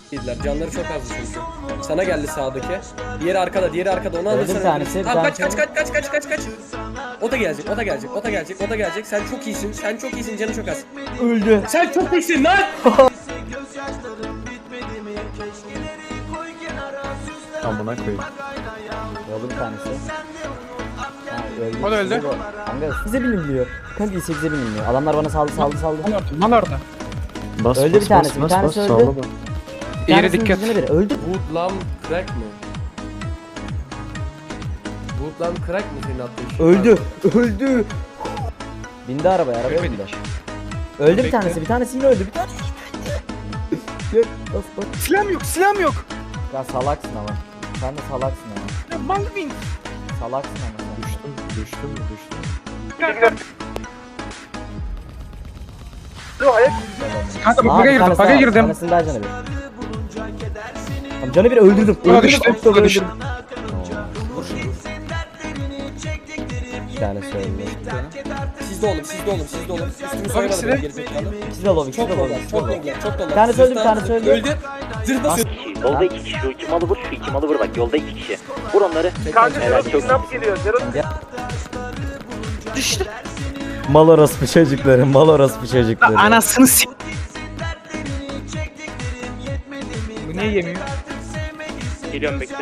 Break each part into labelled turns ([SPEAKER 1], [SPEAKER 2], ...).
[SPEAKER 1] yediler. Canları çok azdı çünkü. Sana geldi sağdaki. Diğeri arkada, diğeri arkada. Onu alırsan.
[SPEAKER 2] Bir tanesi,
[SPEAKER 1] Tamam
[SPEAKER 2] bir
[SPEAKER 1] kaç.
[SPEAKER 2] tanesi.
[SPEAKER 1] O da gelecek, o da gelecek, o da gelecek, o da gelecek. Sen çok iyisin, sen çok iyisin, canı çok az.
[SPEAKER 2] Öldü.
[SPEAKER 1] Sen çok iyisin lan!
[SPEAKER 3] Amına koyayım.
[SPEAKER 2] Öldü bir tanesi. Ha, öldü.
[SPEAKER 4] O da öldü.
[SPEAKER 2] Kanka 8'e biniliyor. Kanka 8'e biniliyor. Adamlar bana saldı.
[SPEAKER 4] Lan orada.
[SPEAKER 3] Bas
[SPEAKER 2] Öldü
[SPEAKER 3] bas
[SPEAKER 2] bir tanesi,
[SPEAKER 3] bas
[SPEAKER 2] bir
[SPEAKER 3] bas
[SPEAKER 2] tanesi
[SPEAKER 3] bas
[SPEAKER 2] öldü.
[SPEAKER 3] sağla bak.
[SPEAKER 2] Bir
[SPEAKER 4] Yere
[SPEAKER 2] tanesinin
[SPEAKER 4] dikkat.
[SPEAKER 2] yüzüne biri. Öldü.
[SPEAKER 1] Woodlam crack mı? Woodlam crack mı senin attığın şey?
[SPEAKER 2] Öldü. Bindi arabaya bindi. Öldü bir
[SPEAKER 4] Bekle.
[SPEAKER 2] tanesi, bir tanesi yine öldü. Bir tanesi. Gel, bas.
[SPEAKER 4] Silahım yok.
[SPEAKER 2] Ya salaksın ama. Sen de salaksın ama.
[SPEAKER 4] Mangwin.
[SPEAKER 2] Salaksın ama sen.
[SPEAKER 3] Düştüm.
[SPEAKER 4] Kanka
[SPEAKER 2] Aa,
[SPEAKER 4] baga
[SPEAKER 2] bir
[SPEAKER 4] girdim,
[SPEAKER 2] tanesi
[SPEAKER 4] baga
[SPEAKER 2] daha,
[SPEAKER 4] girdim.
[SPEAKER 2] Bir tanesinin daha canı bir. Tamam canı bir öldürdüm.
[SPEAKER 4] Buna düştü,
[SPEAKER 2] aptal
[SPEAKER 4] buna düştü.
[SPEAKER 2] öldürdüm. Bir tanesi öldü.
[SPEAKER 1] Sizde oğlum. Üstümü soyamadım
[SPEAKER 4] silah.
[SPEAKER 1] ben gerizekalı.
[SPEAKER 2] İkisi de lobi, ikisi
[SPEAKER 1] Çok
[SPEAKER 2] de lobi.
[SPEAKER 1] dolar, çok dolar.
[SPEAKER 2] Bir tanesi öldü, bir tanesi öldü.
[SPEAKER 1] Öldü. Zırh basıyor.
[SPEAKER 5] Yolda iki kişi, şu iki malı vur, şu iki malı vur bak, yolda iki kişi. Vur onları. Helal, çok iyi.
[SPEAKER 4] Düştü.
[SPEAKER 2] Mal orospu çocukları.
[SPEAKER 4] Anasını s**. Bu niye yemiyor?
[SPEAKER 5] Geliyorum bekle.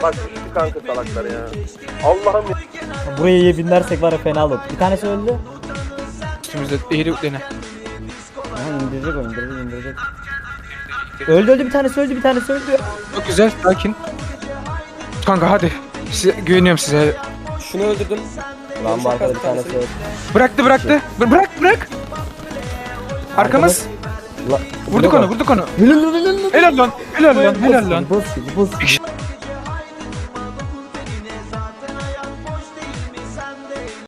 [SPEAKER 2] Buraya iyi binlersek var ya fena olur. Bir tanesi öldü.
[SPEAKER 4] Üstümüzde eğri dene.
[SPEAKER 2] Aha indirecek. Öldü bir tanesi öldü.
[SPEAKER 4] Çok güzel, sakin. Kanka hadi. Size güveniyorum size.
[SPEAKER 1] Şunu öldürdüm.
[SPEAKER 2] Lan bu arkada bir tanesi öldü.
[SPEAKER 4] Bıraktı. Bırak. Arkamız.
[SPEAKER 2] La-
[SPEAKER 4] Vurduk onu.
[SPEAKER 2] Helal lan.
[SPEAKER 4] Helal lan.
[SPEAKER 2] Boss gibi.
[SPEAKER 4] Bir kişi